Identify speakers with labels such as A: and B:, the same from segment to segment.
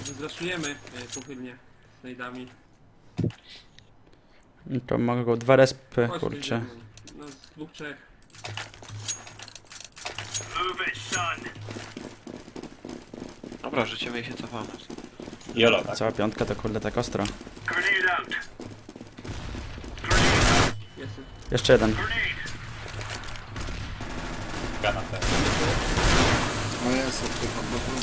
A: Zraszujemy pochylnie z najdami.
B: No to mogę go 2 respy,
A: Chodź,
B: kurczę.
A: idziemy. No z 2-3.
C: Dobra, życzymy i się cofamy.
D: Jolo, tak?
B: Cała piątka to kurde tak ostro.
A: Jest.
B: Jeszcze jeden.
D: Gana ten.
E: No jest, odpycham.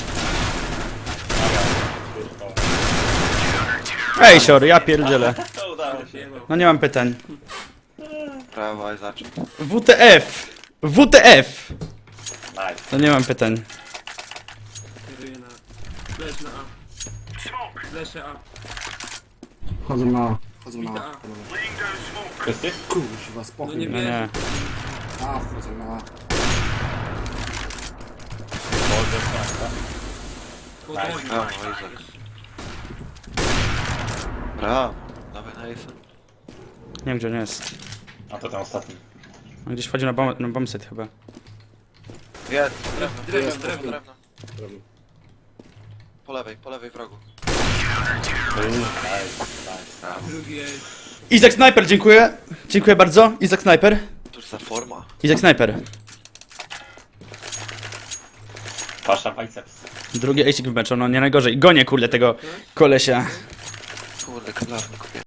B: Ej, sior, ja pierdzielę.
D: To udało się.
B: No nie mam pytań.
C: Brawo, i zacznij.
B: WTF! WTF!
D: Nice.
B: No nie mam pytań.
A: Kieruję na... Leż na A. Leszę A.
E: Chodzą na... Chodzą
A: Bita
E: na...
A: A.
D: Wszyscy?
E: Kurwa,
A: No
E: spokój.
A: nie
B: No
A: wierzę.
B: nie.
E: A, wchodzą na...
D: Może tak.
A: Potem.
C: Brawo, Izak. Brawo. Dawaj na Isa.
B: Nie wiem gdzie on jest.
D: A to ten ostatni.
B: On gdzieś wchodził na bombset chyba.
C: Jest,
A: Drewno,
C: drewno,
A: drewno.
C: drewno. Po lewej wrogu.
D: Nice.
A: Drugi jest.
B: Izak Sniper, dziękuję. Dziękuję bardzo. Izak Sniper.
C: Cóż za forma.
B: Izak Sniper.
D: Pasza biceps.
B: Drugi ejsik w meczu, no nie najgorzej. Gonię kurde tego kolesia.
C: Kurde, kablarny kupię.